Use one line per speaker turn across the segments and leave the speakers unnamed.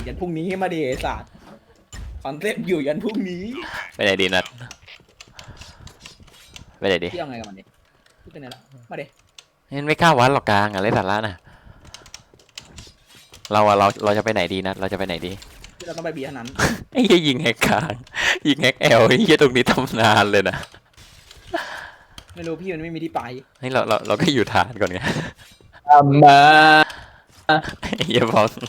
ยันพรุ่งนี้มาดิไอ้สัตว์คอนเซ็ปต์อยู่ยันพรุ่งนี้
ไปไหนดีนัดไปไหนดี
พี่เอาไงกับมันดิพี่เป็นไงล่ะมาดิ
นี่ไม่กล้าวัดหรอกกลางอะเล่นสาระน่ะเราจะไปไหนดีนัดเราจะไปไหนดี
พี่เราต้องไปบีเท่านั้น
ไอ้เหี้ยยิงแฮกกลางยิงแฮกแอลไอ้เหี้ยตรงนี้ทำนานเลยนะ
ไม่รู้พี่มันไม่มีที่ไป
นี่เราก็อยู่ฐานก่อนไง
มา
ไอ้เหี้ยบอล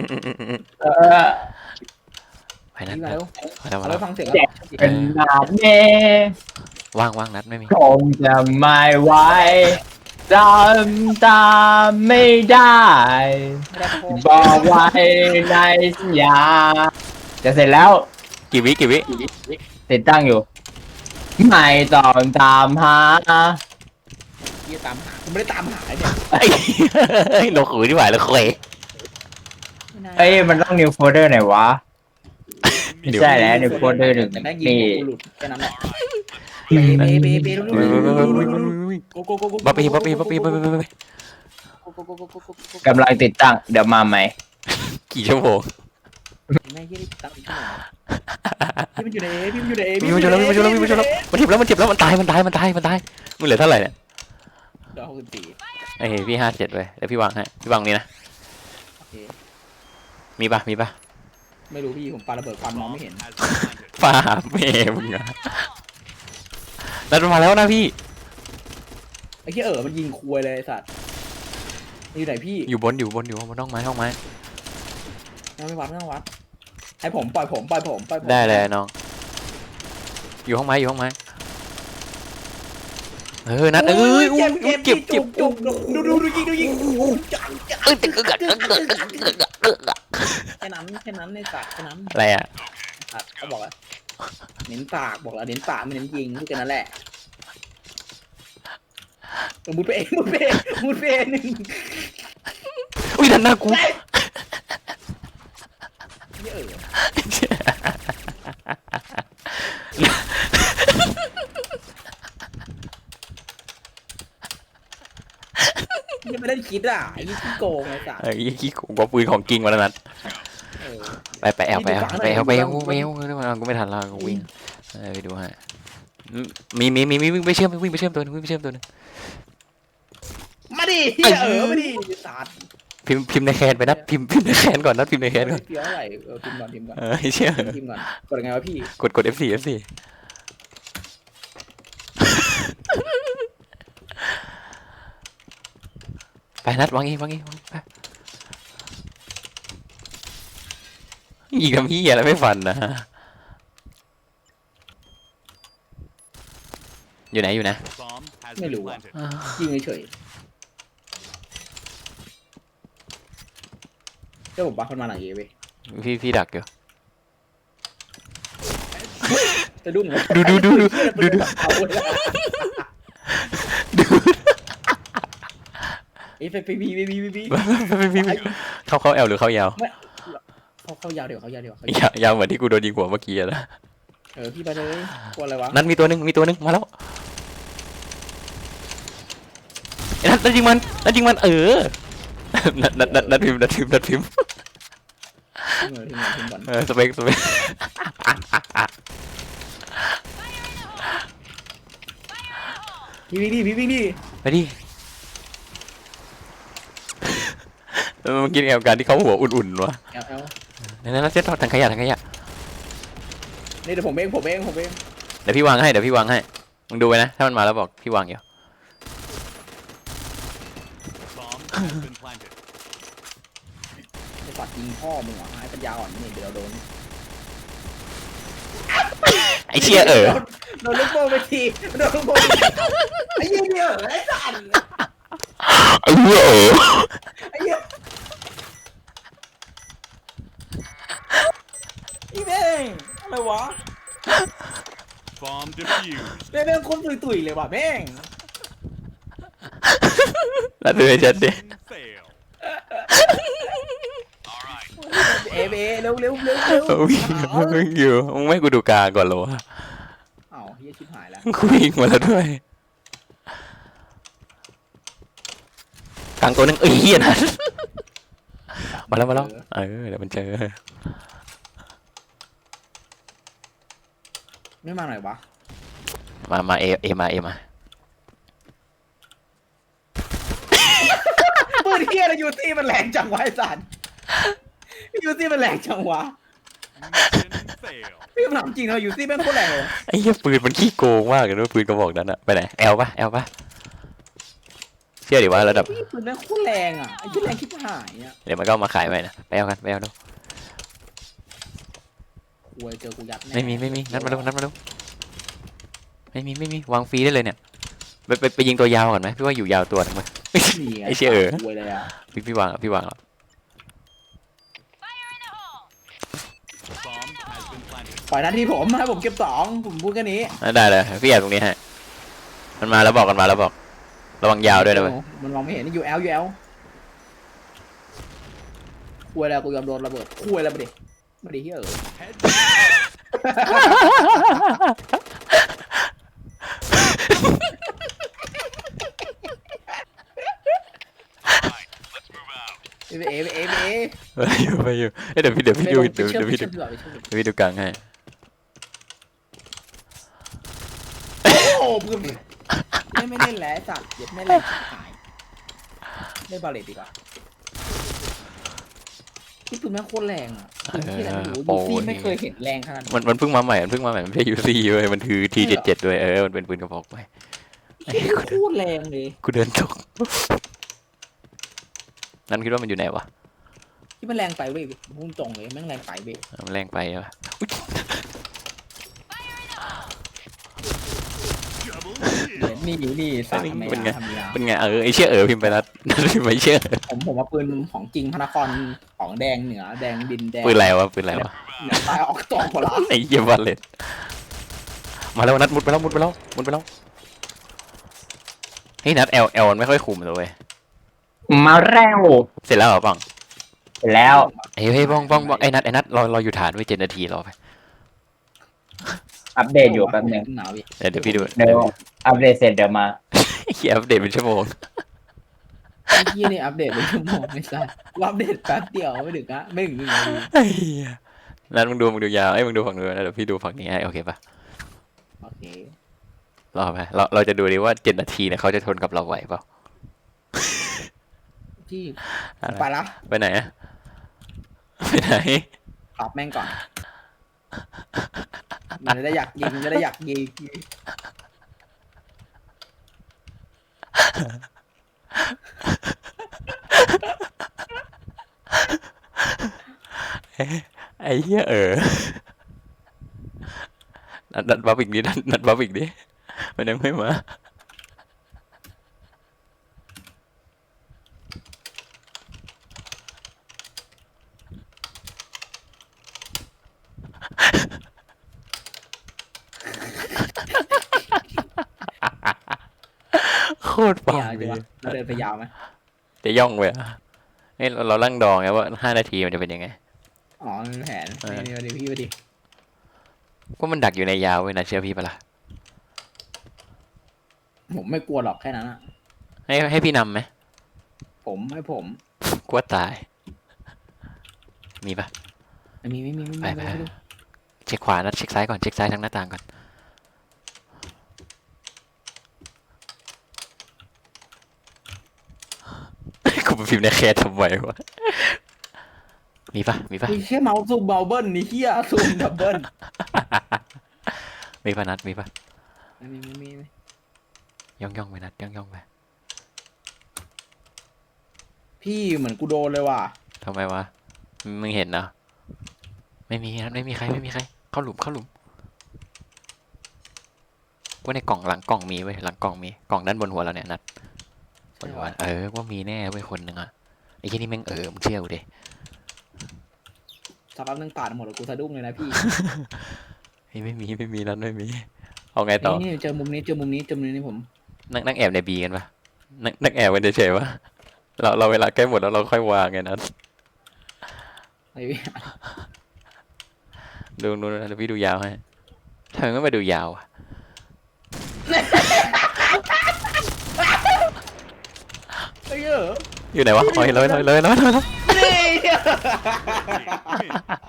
ไปนัด
พี่มา
นัด
เร็ว
ไปแล้ว
เอา
มา
ไป
แล้ว
ฟังเสียง
เป็นนาดเน่
ว่างนัดไม่มี
คงจะไม่ไหวจำตามไม่ได้
ไม่ได้โค้ง
บอกไว้ในสัญญาจะเสร็จแล้ว
กี่วิ
ติดตั้งอยู่ ไม่ต้องตามหา
พี่จะตามหาคุณไม่ได้ตามหาเนี่ย
ไอ้เราขืนที่ไหวแล้วเคย
เอ้ยมันต้อง new folder ไหนวะไม่ใช่แล้ว new folder หนึ่ง
แต่แม่งยิง
นี่
กูหลุดแค่นั้นแหละเบโกโกโกโก
บ๊อบบี้
กำลังติดตั้งเดี๋ยวมาใหม่
กี่ชั่วโมง
แม่งยี่ได้ตั้งอีกชั่วโมงพี่มันอยู่ในพี่มันอยู่ใน
มีมันชนแล้วมันเจ็บแล้วมันตายมึงเหลือเท่าไหร่เนี่ย
เดี๋ยว64
ไอ้พี่57เว้ยเดี๋ยวพี่วางให้พี่วางนี่นะ
โอเค
มีปะ
ไม่รู้พี่ผมปาระเบิดควันมองไม่เห็น
ป่าเมย์มึงอะนัดมาแล้วนะพี่
ไอ้ที่มันยิงคุยเลยไอ้สัตว์อยู่ไหนพี่
อยู่บนห้องไม้
ไม่วัดไม่ต้องวัดให้ผมปล่อยผม
ได้เลยน้องอยู่ห้องไม้นัดเอ้ยเก็บ
ดูยิงแค่นั้นในสัตว์แค่นั้น
อะไรอ่ะ
สัตว์เขาบอกว่าเน้นปากบอกแล้วเน้นปากไม่เน้นยิงพูดกันนั่นแหละมุดไปเองหนึ่ง
อุ้ยดันหน้ากู
นี่ยังไม่ได้คิดอ่ะไอ้นี่ขี้โกงไอ้สัตว์
ไอ้ขี้กูว่าปืนของกิ่งมาแล้วนัดไปแอลกูไม่ทันแล้วกูวิ่งไปดูฮะมีวิ่งไปเชื่อมตัวนึง
มาดิมาดิสัตว์
พิมพ์ในแคนไปนัดพิมพ์ในแคนก่อนนัดพิมพ์ในแคนก่อน
เฟี้ยวอะไรพิมพ์ก่อน
เชื่อ
พิมพ์ก่อนกดยังไงวะพี่
กด F4 ไปนัดวางเองไปยิงทำพี่อะไรไม่ฟันนะอยู่ไหน
ไม่รู้ยิงเฉยเจ้าผมบัฟมันมาหนังเอเว้ย
พี่ดักอยู่
จะดุ้ง
ดู
ไอ้ไปบี
เข้าแอลหรือเข้ายาว
เขายาวเดี๋ยวเขา
ยาวเหมือนที่กูโดนยิงหัวเมื่อกี้นะ
พี่ไปเลยกลัวอะไรวะ
นัดมีตัวหนึ่งมาแล้วนัดยิงมันนัดพิมพ์
ทีมก่อน
สเปค
พี่วิ่งดิ
ไปดิมันกินแอลการที่เขาหัวอุ่นๆวะ
เอล
นั่นเซ็ตถังขยะ
นี่เดี๋ยวผมเอง
เดี๋ยวพี่วางให้มึงดูไปนะถ้ามันมาแล้วบอกพี่วางอยู่
ไอ้ปัดยิงพ่อมึงเหรอไอ้ปัญญาอ่อนนี่เดี๋ยวโดน
ไอ้เชี่ย
โดนลูกโป่งไปทีไอ้เหี้ยไอ้สัตว์
ไอ้เหี้ย
ไอ้เหี้ยอีแม่งอะไรวะ
Bomb defused.
แม่งคนตุยเลยว่ะแม่ง
แล้วดูให้ชัดดิ
Fail.
เอเร็ว
วิ่งอยู่มึงไม่กูดูกาก่อนเหรอวะ
อ้าวเฮียชิบหายแล้ว
กูวิ่งมาแล้วด้วยกลางตัวนึงเฮียนะมาแล้วเดี๋ยวมันเจอ
ไม่มาหน่อยวะ
มาเอมา
ปืนเฮียอะไรยูซี่มันแรงจังวะไอ้สัตว์ยูซี่มันแรงจังวะ
Mission fail.
พี่ถามจริงเหรอยูซี่แม่งโคตรแรงเลย
ไอ้เหี้ยปืนมันขี้โกงมากเลยนะปืนกระบอกนั้นอะไปไหนแอลปะเชื่อดิว่าระดับ
พี่ปืนแม่งโคตรแรงอ่ะไอ้ที่แรงคิดหายอ่ะ
เดี๋ยวมันก็เอามาขายไปนะไปเอาดู
กลัวเจอกูยัดแน่
ไม่มีนัดมาดูไม่มีวางฟรีได้เลยเนี่ยไปยิงตัวยาวก่อนไหมพี่ว่าอยู่ยาวตัวหนึงไหม
นี่ง
ไอ้เชี่ย
กลัวเลยอ่ะ
พี่วางแล้ว
Bomb has been planted.
ปล่อยหน้าที่ผมให้ผมเก็บ2ผมพูดแค่นี้
ได้เลยพี่แอบตรงนี้ฮะมันมาแล้วบอกระวังยาวด้วยนะเว้ย
มันมองไม่เห็นนี่ยูเอลกลัวแล้วกูยอมโดนระเบิดกลัวแล้วมาดิเฮีย
Head
ไปเอ
ไปอยู่เดี๋ยวพี่ดูกลางให้
โอ้โหปืนไม่เล่นแล้วจัดเย็ดไม่เล่นหายเล่นบาเลตดีกว่าที่ปืนแม่งโคตรแรงอ่ะที่อะไรไม่รู้ยูซี่ไม่เคยเห็นแรงขนาดนี้
มันเพิ่งมาใหม่มันไม่ใช่ยูซี่เว้ยมันคือ T77 ด้วยมันเป็นปืนกระบอกไป
โคตรแรงเลย
กูเดินตกนั่นคิดว่ามันอยู่ไหนวะ
ที่มันแรงไปเว้ยพุ่งตรงเลยแม่งแรงไปเว้ย
มันแรงไปวะ
double
เดี๋ยว
kill.
นี่อยู่นี่สามทำไม
เป็นไง
ทำยา
เป็นไงไอ้เชี่ยพิมพ์ไปนัดพิมพ์ไปเชี่ย
ผมว่าปืนของจริงพระนครของแดงเหนือแดงดินแดง
ปืนอะไรวะ
เหนือใต้ออกตองหมดละ
ไอ้เหี้ยวันเลยมาแล้วนัดมุดไปแล้วเฮ้ยนัดเอลมันไม่ค่อยคุมเลยเว้ย
มาแล้ว
เสร็จแล้วเหรอปัง
เสร็จแล้ว
เฮ้ยบ้องไอ้นัดเราอยู่ฐานไว้7 นาทีรอไป
อัปเดตอยู่แป๊บนึง
หนาวอีก
เดี๋ยวพี่ดู
เดี๋ยวอัปเดตเสร็จเดี๋ยวมา
เขียนอัปเดตเป็นชั่วโมง
ไอ้ที่นี่อัปเดตเป็นชั่วโมงไม่ใช่อัปเดตแป๊บเดียวไม่ถึงอะไม่ถึง1 นาที
ไอ้เหี้ยนัดมึงดูยาวมึงดูฝั่งนู้นนะเดี๋ยวพี่ดูฝั่งนี้ให้โอเคปะ
โอเค
รอไปเราจะดูดิว่า7 นาทีเนี่ยเขาจะทนกับเราไหวเปล่า
ที่ไปละ
ไปไหนอะไปไหน
ตอบแม่งก่อนมันจะได้อยากยิง
ไอ้เหี้ยนัดบัฟอีกนิดนัดบัฟอีกดิมันยังไม่มาโคตรปัง
ยาว
เล
ดี
ย
วะเราเดินไปยาวไหม
จะย่องไปอ่ะเฮ้ยเราลั่งดองไงว่า5 นาทีมันจะเป็นยังไง
อ๋อมีแผนนี่มาดิพี่มาดิ
ก็มันดักอยู่ในยาวเว้ยนะเชื่อพี่ปะล่ะ
ผมไม่กลัวหรอกแค่นั้นอะ
ให้พี่นำไหม
ให้ผม
กลัวตาย มีปะ
ไม่มี
ไปเช็คขวานะเช็คซ้ายก่อนเช็คซ้ายทางหน้าต่างก่อนกูไปพิมพ์ในแคสทำไมวะมีปะ
มีแค่เมาส์ซูมเบลเบิ้ลนี่เฮียซูมดับเบิ้ล
มีปะนัดมีปะ
ไม่มี
ย่องไปนัดย่องไป
พี่เหมือนกูโดนเลยว่ะ
ทำไมวะมึงเห็นนะไม่มีนัดไม่มีใครเข้าหลุมว่าในกล่องหลังกล่องมีเว้ยหลังกล่องมีกล่องด้านบนหัวเราเนี่ยนัดบนหัวว่ามีแน่เว้ยคนหนึ่งอะไอ้ที่นี่แม่งมึงเชื่อกูดิ
สักแป๊บนึงปาดหมดแล้วกูสะดุ้งเลยนะพี่
ไม่มีนัดไม่มีเอาไงต่อ
นี่เจอมุมนี้ผม
นั่งแอบในบีกันปะนั่งแอบกันเฉยๆวะเราเวลาใกล้หมดแล้วเราค่อยวางไงนัด
ไอ้พี่
ดูนู้นนะเดี๋ยวพี่ดูยาวให้ทำไมไม่มาดูยาวอะ
ไอ้เหี้ย
อยู่ไหนวะอ๋อเห็นเลย
นี่
Win.